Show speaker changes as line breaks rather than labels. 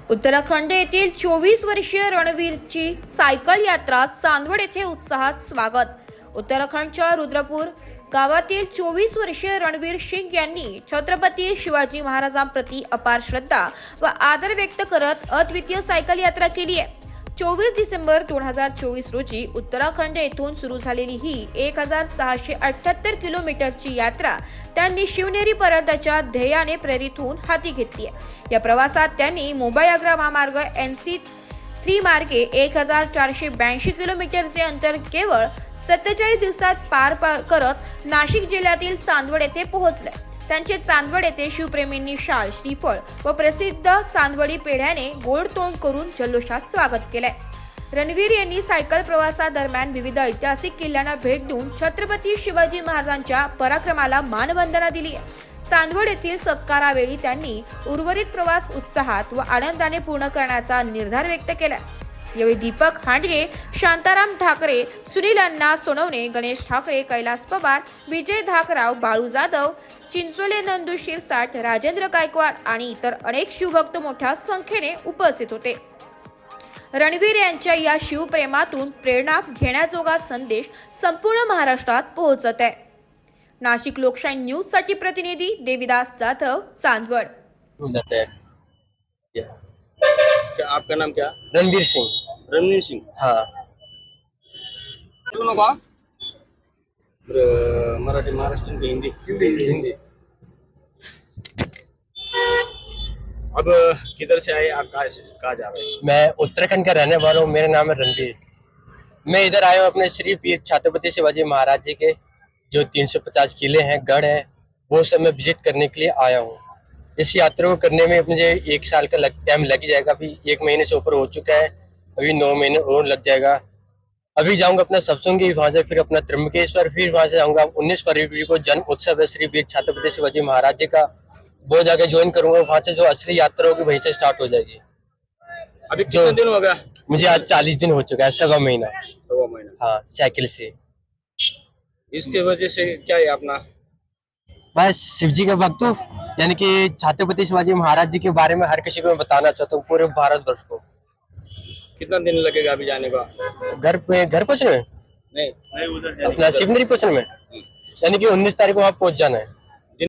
उत्तराखंड येथील 24 वर्षीय रणवीरची सायकल यात्रा चांदवड येथे उत्साहात स्वागत। उत्तराखंडच्या रुद्रपूर गावातील 24 वर्षीय रणवीर सिंग यांनी छत्रपती शिवाजी महाराजांप्रती अपार श्रद्धा व आदर व्यक्त करत अद्वितीय सायकल यात्रा केली आहे। 24 डिसेंबर 2024 रोजी उत्तराखंड येथून सुरू झालेली ही 1678 किलोमीटरची यात्रा त्यांनी शिवनेरी पर्यंतच्या ध्येयाने प्रेरित होऊन हाती घेतली आहे। या प्रवासात त्यांनी मुंबई आग्रा महामार्ग NC3 मार्गे 1482 किलोमीटरचे अंतर केवळ 47 दिवसात पार करत नाशिक जिल्ह्यातील चांदवड येथे पोहोचले। त्यांचे चांदवड येथे शिवप्रेमींनी शाल, श्रीफळ व प्रसिद्ध चांदवडी पेढ्याने गोड तोंड करून जल्लोषात स्वागत केले। रणवीर यांनी सायकल प्रवासादरम्यान विविध ऐतिहासिक किल्ल्यांना भेट देऊन छत्रपती शिवाजी महाराजांच्या पराक्रमाला मानवंदना दिली आहे। चांदवड येथील सत्कारावेळी त्यांनी उर्वरित प्रवास उत्साहात व आनंदाने पूर्ण करण्याचा निर्धार व्यक्त केला। यावेळी दीपक हांडगे, शांताराम ठाकरे, सुनील अण्णा सोनवणे, गणेश ठाकरे, कैलास पवार, विजय धाकराव, बाळू जाधव, चिंचोले, नंदू शिरसाट, राजेंद्र गायकवाड आणि इतर अनेक शिवभक्त मोठ्या संख्येने उपस्थित होते। रणवीर यांच्या या शिवप्रेमातून प्रेरणा घेण्याजोगा संदेश संपूर्ण महाराष्ट्रात पोहोचत आहे। नाशिक लोकशाही न्यूज साठी प्रतिनिधी देविदास जाधव, चांदवड।
आपका नाम क्या?
रणवीर सिंह।
रणवीर सिंह।
हाँ।
दोनों का मराठी, महाराष्ट्र की हिंदी?
हिंदी।
अब किधर से आए आप? कहाँ जा रहे हैं?
मैं उत्तराखंड का रहने वाला हूँ। मेरा नाम है रणवीर। मैं इधर आया हूँ अपने श्री पीर छत्रपति शिवाजी महाराज जी के जो 350 किले हैं, गढ़ हैं, वो सब मैं विजिट करने के लिए आया हूँ। इस यात्रा को करने में मुझे 1 साल का टाइम लग जाएगा। अभी 1 महीने से ऊपर हो चुका है, अभी 9 महीने और लग जाएगा। अभी जाऊंगा अपना सत्संगी, वहां से फिर अपना त्र्यंबकेश्वर, फिर वहां से जाऊंगा 19 फरवरी को जन्म उत्सव है श्री वीर छत्रपति शिवाजी महाराज जी का, वो जाके ज्वाइन करूंगा। वहां से जो असली यात्रा होगी वहीं से स्टार्ट हो जाएगी।
अभी कितने दिन हो गया?
मुझे आज 40 दिन हो चुका है, 1.25 महीना।
1.25 महीना।
हाँ, साइकिल से।
इसके वजह से क्या है अपना?
बस शिव जी के भक्त हूँ, यानी कि छत्रपति शिवाजी महाराज जी के बारे में हर किसी को मैं बताना चाहता हूँ, पूरे भारतवर्ष को।
कितना दिन लगेगा अभी जाने का?
घर पहुँचने में
नहीं उधर
अपना शिवनेरी पहुँचने में, यानी कि 19 तारीख को वहाँ पहुँच जाना है।